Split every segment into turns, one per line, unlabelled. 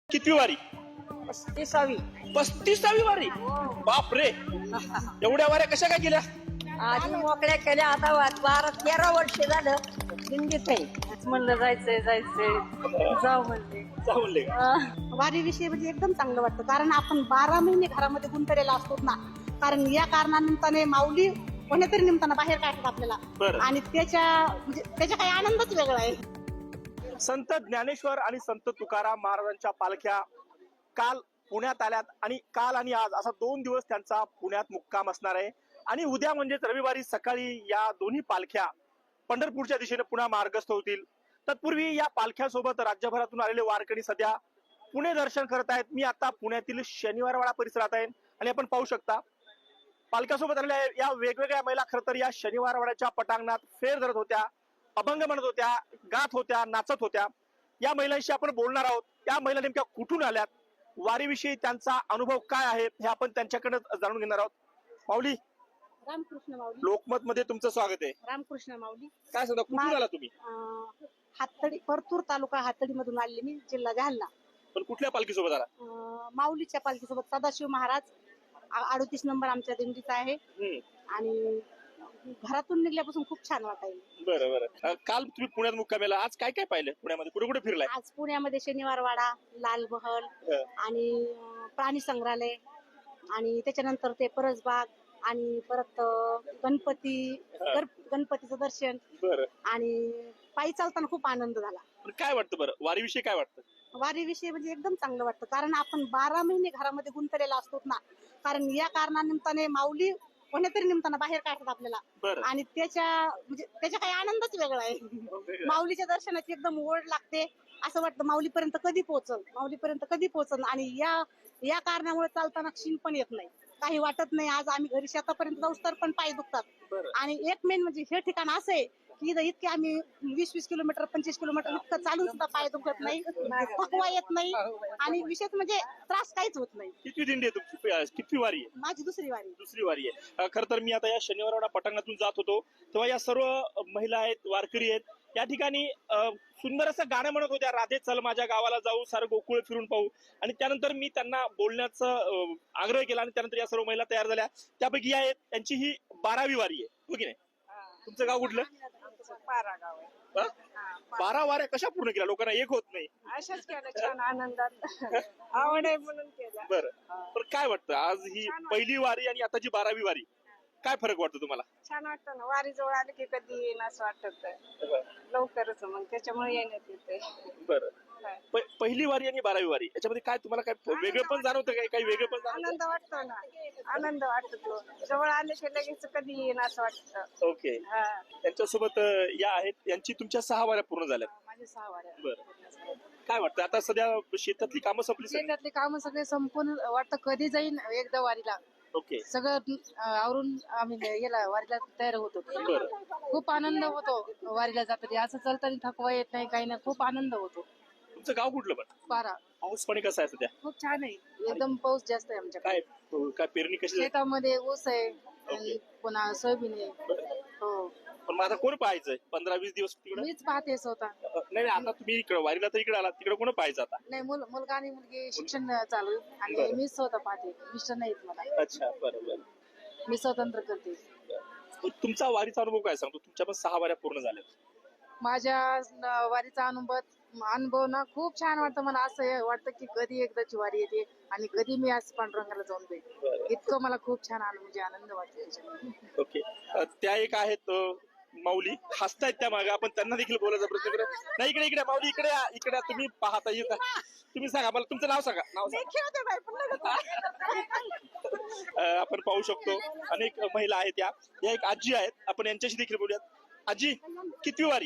कितवी वारी?
35वी.
35वी वारी. बाप रे, एवढ्या वाऱ्या कशा काय केल्या?
आधी मोकळ्या केल्या, आता 12-13 वर्ष झालं दिंडीत आहे. म्हणलं जायचंय जाऊ म्हणले.
जाऊ म्हणले का?
वारीविषयी म्हणजे एकदम चांगलं वाटतं, कारण आपण 12 महिने घरामध्ये गुंतलेला असतो ना. कारण या कारणानिमित्ताने माऊली कोणीतरी निमित्तानं बाहेर काढतात आपल्याला,
बरं.
आणि त्याच्या काही आनंदच वेगळा आहे.
संत ज्ञानेश्वर आणि संत तुकाराम महाराजांच्या पालख्या काल पुण्यात आल्यात आणि काल आणि आज असा 2 दिवस त्यांचा पुण्यात मुक्काम असणार आहे. आणि उद्या म्हणजेच रविवारी सकाळी या दोन्ही पालख्या पंढरपूरच्या दिशेने पुन्हा मार्गस्थ होतील. तत्पूर्वी या पालख्यासोबत राज्यभरातून आलेले वारकरी सध्या पुणे दर्शन करत आहेत. मी आता पुण्यातील शनिवारवाडा परिसरात आहे आणि आपण पाहू शकता पालख्यासोबत आलेल्या या वेगवेगळ्या महिला खरं तर या शनिवारवाड्याच्या पटांगणात फेर धरत होत्या, अभंग म्हणत होत्या, गात होत्या, नाचत होत्या. या महिलांशी आपण बोलणार आहोत. या महिला नेमक्या कुठून आल्यात, वारीविषयी त्यांचा अनुभव काय आहे हे आपण त्यांच्याकडे जाणून घेणार आहोत. माऊली,
रामकृष्ण माऊली.
लोकमत मध्ये तुमचं स्वागत आहे.
रामकृष्ण माऊली.
काय सांगता, कुठून आला तुम्ही?
हातडी, परतूर तालुका हातडी मधून आले मी, जिल्हा जालना.
पण कुठल्या पालखीसोबत आला?
माऊलीच्या पालखीसोबत सदाशिव महाराज 38 नंबर आमच्या दिंडीचा आहे. आणि घरातून निघल्यापासून खूप छान वाटायला.
बरं बरं. काल तुम्ही पुण्यात मुक्कामेला, आज काय काय पाहिलं पुण्यामध्ये, कुठे कुठे फिरलाय?
आज पुण्यामध्ये शनिवारवाडा, लालमहल आणि प्राणी संग्रहालय, आणि त्याच्यानंतर ते परसबाग, आणि परत गणपतीचं दर्शन.
बरं.
आणि पायी चालताना खूप आनंद झाला.
पण काय वाटतं बरं, वारीविषयी काय वाटतं?
वारीविषयी म्हणजे एकदम चांगलं वाटतं, कारण आपण 12 महिने घरामध्ये गुंतलेला असतो ना. कारण या कारणानिमित्ताने माऊली कोणीतरी निमित्तानं बाहेर काढतात आपल्याला,
बरं.
आणि त्याच्या काही आनंदच वेगळा आहे. माऊलीच्या दर्शनाची एकदम ओढ लागते. असं वाटतं माऊलीपर्यंत कधी पोहोचल, आणि या कारणामुळे चालताना क्षीण पण येत नाही, काही वाटत नाही. आज आम्ही घरी शेतापर्यंत जाऊस तर पण पाय दुखतात. आणि एक मेन म्हणजे हे ठिकाण असं आहे की इथं इतके आम्ही 20-20 किलोमीटर 25 किलोमीटर इतकं चालून सुद्धा पाय दुखत नाही, थकवा येत नाही, आणि विशेष म्हणजे त्रास काहीच होत नाही.
किती दिंडी आहे तुमची, किती वारी आहे?
माझी दुसरी वारी
आहे. खरं तर मी आता या शनिवारवाडा पटांगणातून जात होतो तेव्हा या सर्व महिला आहेत, वारकरी आहेत. या ठिकाणी सुंदर असं गाणं म्हणत होत्या, राधे चल माझ्या गावाला जाऊ, सारं गोकुळ फिरून पाहू. आणि त्यानंतर मी त्यांना बोलण्याचा आग्रह केला आणि त्यानंतर या सर्व महिला तयार झाल्या. त्यापैकी आहेत त्यांची ही 12वी वारी आहे, हो की नाही? तुमचं गाव कुठलं?
पारा गाव आहे.
12 वाऱ्या कशा पूर्ण केल्या? लोकांना एक होत नाही.
अशाच केलं, छान आनंदात आवड आहे म्हणून केलं.
बरं. पण काय वाटतं, आज ही पहिली वारी आणि आताची 12वी वारी, काय फरक वाटतो तुम्हाला?
छान वाटतं ना, वारी जवळ आले की कधी येईन असं वाटत लवकरच, मग त्याच्यामुळे येण्यात येते.
बरं. पहिली वारी आणि 12वी वारी याच्यामध्ये काय तुम्हाला काय वेगळं पण जाणवतं? काही वेगळं पण जाणवतं?
आनंद वाटतो ना, आनंद वाटतो. जवळ आले की लगेच कधी येईन असं वाटतं.
ओके. त्यांच्यासोबत या आहेत, यांची तुमच्या 6 वाऱ्या पूर्ण झाल्या.
माझे 6 वाऱ्या.
बरं. काय वाटतं, आता सध्या शेतातली कामं संपली?
शेतातली कामं सगळे संपून वाटतं कधी जाईन एकदा वारीला.
ओके.
सगळं आवरून आम्ही गेला वारीला तयार होतो. खूप आनंद होतो वारीला जाताना, असं चालताना थकवा येत नाही, काही नाही, खूप आनंद होतो.
तुमचं गाव कुठलं? पण
पारा.
पाऊस पाणी कसं आहे सध्या?
खूप छान आहे, एकदम पाऊस जास्त आहे आमच्याकडे.
काय पेरणी कशी झाली?
शेतामध्ये ऊस आहे आणि पुन्हा सोयाबीन आहे. हो.
पण मग आता कोण पाहायचंय 15-20 दिवस तिकडे?
मीच पाहते स्वतः.
नाही, आता तुम्ही इकडे वारीला तर इकडे आला, तिकडे कोण पाहायचं आता?
नाही, मुलगा आणि मुलगी शिक्षण चालू आहे आणि मी स्वतः पाहते. मिस्टर नाहीत मला.
अच्छा, बरोबर.
मी स्वतंत्र करते.
तुमचा वारीचा अनुभव काय सांगतो? तुमच्या पण 6 वाऱ्या पूर्ण झाल्या.
माझ्या वारीचा अनुभव ना खूप छान वाटतं. मला असं वाटतं की कधी एकदाची वारी येते आणि कधी मी आज पांडुरंगाला जाऊन जाईल, इतकं मला खूप छान म्हणजे आनंद वाटतो.
ओके. त्या एक आहेत माऊली, हसतायत त्या मागे, आपण त्यांना देखील बोलायचा प्रयत्न करू. नाही, इकडे माऊली, इकडे तुम्ही पाहता येत. तुम्ही सांगा मला, तुमचं नाव सांगा. आपण पाहू शकतो अनेक महिला आहेत. या एक आजी आहेत, आपण यांच्याशी देखील बोलूयात. आजी, कितवी वारी?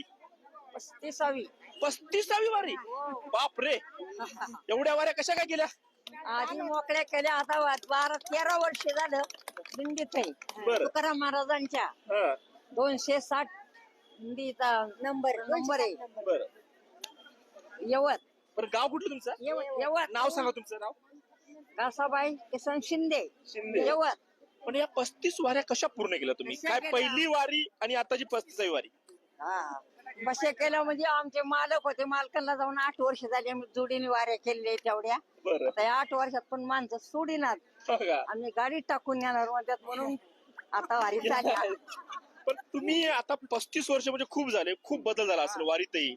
35वी
वारी. बाप रे, एवढ्या वाऱ्या कशा काय केल्या?
आधी मोकळ्या केल्या, आता 12-13 वर्ष झालं दिंडीत आहे. तुकाराम महाराजांच्या 260 दिंडीचा नंबर आहे.
बरं.
यवत.
बरं, गाव कुठलं तुमचं?
यवत.
नाव सांगा तुमचं नाव.
कासाबाई किसन शिंदे, यवत.
पण या 35 वाऱ्या कशा पूर्ण केल्या तुम्ही? काय पहिली वारी आणि आताची 35वी वारी?
बसे केलं म्हणजे आमचे मालक होते, मालकांना जाऊन 8 वर्ष झाली आम्ही जोडीने वाऱ्या केलेल्या तेवढ्या.
बरं.
आता या 8 वर्षात पण माणसं सोडीनात,
हो का?
आम्ही गाडीत टाकून येणार म्हणतात म्हणून आता वारी झाली.
पण तुम्ही आता 35 वर्ष म्हणजे खूप झाले, खूप बदल झाला असेल वारीतही.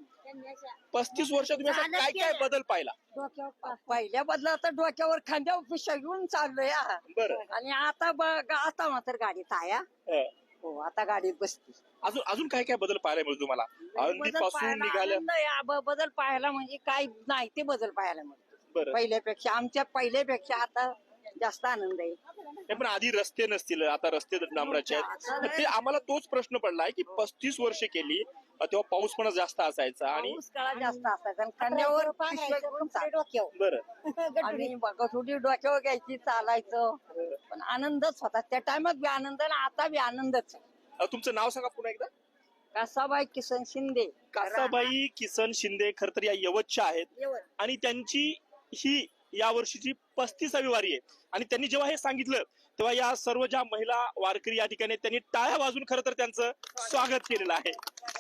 35 वर्षात तुम्ही असा काय काय बदल पाहिला?
पहिल्या बदला तर डोक्यावर खांद्यावर पिशा घेऊन चाललोय हा.
बरं.
आणि आता बघ, आता मात्र गाडीत आहे हा.
हं.
हो, आता गाडीत बसते.
अजून अजून काय काय बदल पाहायला मिळतो तुम्हाला आळंदी पासून निघाल्या?
बदल पाहायला म्हणजे काय नाही ते बदल पाहायला मिळतो
बरं.
पहिल्यापेक्षा. आमच्या पहिल्यापेक्षा आता जास्त आनंद आहे.
नाही, पण आधी रस्ते नसतील, आता रस्ते डांबराचे आहेत. तर ते आम्हाला तोच प्रश्न पडलाय की 35 वर्ष केली तेव्हा पाऊस पण जास्त असायचा आणि
पाऊस काळात जास्त असायचा आणि खांद्यावर पिशव्या घेऊन डोक्यावर
बरं.
आणि थोडी डोक्यावर घ्यायची, चालायचं. पण आनंदच होता त्या टाइमात बी आनंद आणि आता बी आनंदच आहे.
तुमचं नाव सांगा पुन्हा एकदा.
कासाबाई किसन शिंदे.
कासाबाई किसन शिंदे खर तर या यवतच्या आहेत आणि त्यांची ही या वर्षीची 35वी वारी आहे. आणि त्यांनी जेव्हा हे सांगितलं तेव्हा या सर्व ज्या महिला वारकरी या ठिकाणी त्यांनी टाळ्या वाजून खरं तर त्यांचं स्वागत केलेलं आहे.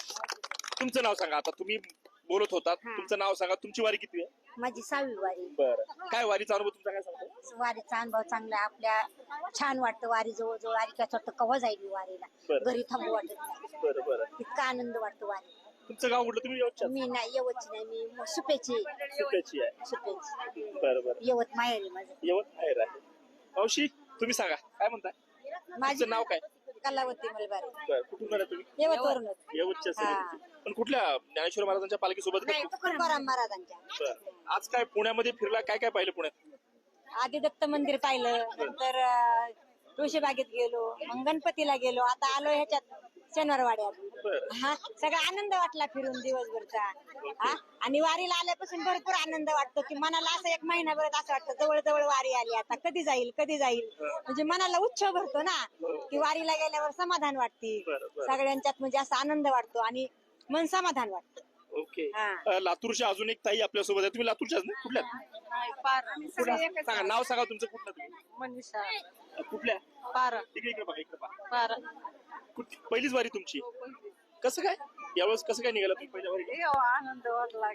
तुमचं नाव सांगा. आता तुम्ही बोलत होतात, तुमचं नाव सांगा. तुमची वारी किती आहे?
माझी 6वी वारी.
बरं. काय वारीचा अनुभव तुमचा काय सांगतो?
वारीचा अनुभव चांगला आहे. आपल्या छान वाटतं वारी जवळ वारी काय वाटतं कवा जाईल मी वारीला.
बरं.
घरी थांबू वाटत नाही.
बरं बरं.
इतका आनंद वाटतो वारी.
तुमचं गाव कुठलं? तुम्ही यवतच्या?
मी नाही यवतची नाही, मी सुपेची.
सुप्याची आहे.
सुपेची
बरं बरं.
यवत माहेरी माझं.
यवत बाहेर आहे. मावशी तुम्ही सांगा काय म्हणताय? तुमचं नाव काय?
कलावती मलबारी.
बरं. कुठून आला तुम्ही?
यवतवरूनच.
यवतच्या
हा.
पण कुठल्या ज्ञानेश्वर महाराजांच्या पालखीसोबत का?
नाही तुकाराम महाराजांच्या.
बरं. आज काय पुण्यामध्ये फिरला, काय काय पाहिलं पुण्यात?
आधी दत्त मंदिर पाहिलं, नंतर तुळशीबागेत गेलो, मग गणपतीला गेलो, आता आलो ह्याच्यात शनिवारवाड्यात.
बरं.
हा सगळा आनंद वाटला फिरून दिवसभरचा. हा आणि वारीला आल्यापासून भरपूर आनंद वाटतो की मनाला असं एक महिनाभर असं वाटतं जवळ जवळ वारी आली, आता कधी जाईल कधी जाईल. म्हणजे मनाला उत्सव भरतो ना की वारीला गेल्यावर समाधान वाटते
बरं, बरं.
सगळ्यांच्यात, म्हणजे असा आनंद वाटतो आणि मन समाधान वाटतं.
ओके.
हा.
लातूरच्या अजून एक ताई आपल्या सोबत आहे. तुम्ही लातूरच्याच ना? कुठल्या? सांगा नाव सांगा तुमचं. कुठलं तुम्ही?
मनीषा
कुठल्या?
पारा
इकडे इकडे बघा, इकडे बघा.
पारा.
पहिलीच वारी तुमची? कसं काय यावेळेस कसं काय निघाला तुम्ही पहिल्या वारी?
आनंद वाटला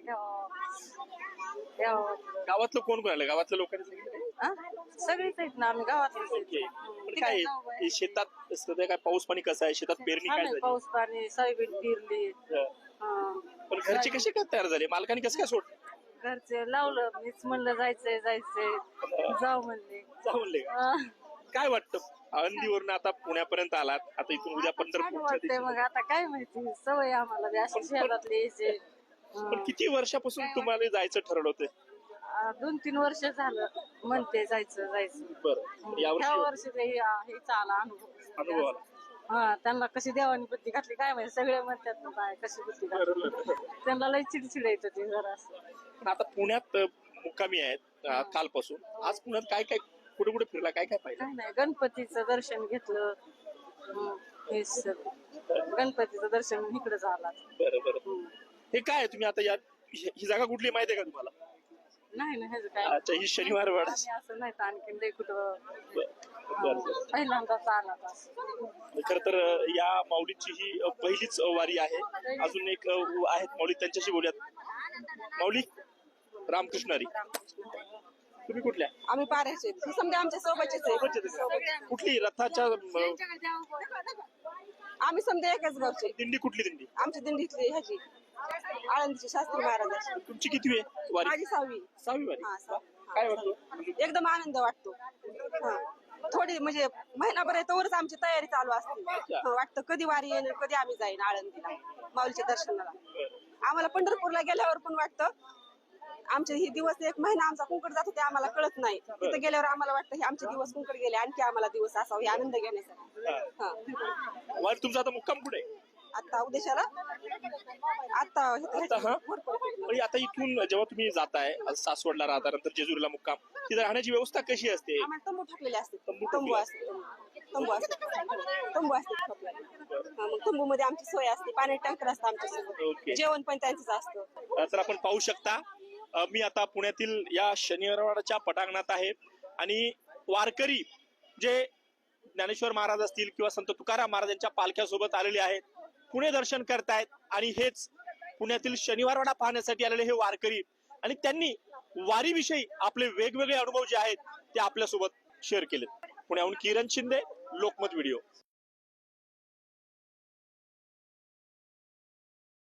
गावातलं कोण कोण आलं? गावातल्या लोकांनी सांगितलं?
सगळीच आहेत ना आम्ही गावातलीच
ओके. पण काय हे शेतात सध्या काय पाऊस पाणी कसं आहे? शेतात पेरणी काय झाली?
पाऊस पाणी सोयाबीन पेरली.
पण घरचे कसे काय तयार झाले? मालकाने कसं काय सोडलं?
घरचे लावलं, मीच म्हणलं जायचंय जाऊ म्हणले.
जाऊ म्हणले का? काय वाटतं आळंदीवरून आता पुण्यापर्यंत आलात, आता इथून उद्या
छान
पंढरपूर.
वाटतंय. मग आता काय माहिती, सवय आम्हाला बी अशी शहरातले यायचे.
पण किती वर्षापासून तुम्हाला जायचं ठरवलं होतं?
2-3 वर्ष झालं म्हणते जायचं.
बरं.
ह्या
यावर्षी
वर्षी हे चाला
अनुभव आला.
हा त्यांना कशी देवानी बुद्धी घातली काय माहिती. सगळे म्हणतात ना काय कशी बुद्धी घातली.
बरोबर.
त्यांना लय चिडचिड येत होती जरा.
पण आता पुण्यात मुक्कामी आहेत कालपासून. आज पुण्यात काय काय कुठे कुठे फिरला, काय काय पाहिलं?
काय नाही, गणपतीचं दर्शन घेतलं. गणपतीचं दर्शन इकडे झाला.
बरं बरं. हे काय तुम्ही आता या ही जागा कुठली माहिती आहे का तुम्हाला?
नाही ना ह्याचं काय.
अच्छा, ही शनिवार वाडा.
आम्ही असं नाही तर आणखीन लय कुठं
बरं.
पहिल्यांदाच आला
खर तर या माऊलीची ही पहिलीच वारी आहे. अजून एक आहेत माऊली, त्यांच्याशी बोलूयात. माऊली रामकृष्ण हरी. तुम्ही कुठल्या?
आम्ही पारायचे समजा आमच्या सोबतचेच आहे.
कुठली रथाच्या
आम्ही समजा एकाच गावचे.
दिंडी कुठली दिंडी?
आमची दिंडीतली ह्याची आळंदीची शास्त्री महाराजाची.
तुमची किती आहे वारी?
माझी 6वी.
6वी वारी.
हा, 6वी.
काय वाटतं?
एकदम आनंद वाटतो. हा. थोडी म्हणजे महिनाभर आहे तोवरच आमची तयारी चालू असते. वाटतं कधी वारी येईल, कधी आम्ही जाईन आळंदीला माऊलीच्या दर्शनाला. आम्हाला पंढरपूरला गेल्यावर पण वाटतं आमचे हे दिवस एक महिना आमचा कुंकड जातो ते आम्हाला कळत नाही. तिथे गेल्यावर आम्हाला वाटतं हे आमचे दिवस कुंकड गेले, आणखी आम्हाला दिवस असावा हे आनंद घेण्यासाठी. हा.
वारी तुमचा आता मुक्काम कुठे आहे?
आता उद्देशाला आता
आता हा आणि आता इथून जेव्हा तुम्ही जाताय सासवडला राहता, नंतर जेजुरीला मुक्काम, तिथे राहण्याची व्यवस्था कशी असते?
आम्हाला तंबू टाकलेले असते.
तंबू
तंबू असते. मग तंबू मध्ये आमची सोय असते. पाणी टँकर असतं आमच्यासोबत.
ओके.
जेवण पण त्यांचंच असतं.
तर आपण पाहू शकता मी आता पुण्यातील या शनिवारवाडाच्या पटांगणात आहे आणि वारकरी जे ज्ञानेश्वर महाराज असतील किंवा संत तुकाराम महाराजांच्या पालख्यासोबत आलेले आहेत पुणे दर्शन करतायत आणि हेच पुण्यातील शनिवारवाडा पाहण्यासाठी आलेले हे वारकरी आणि त्यांनी वारीविषयी आपले वेगवेगळे अनुभव जे आहेत ते आपल्यासोबत शेअर केले. पुण्याहून किरण शिंदे, लोकमत व्हिडिओ.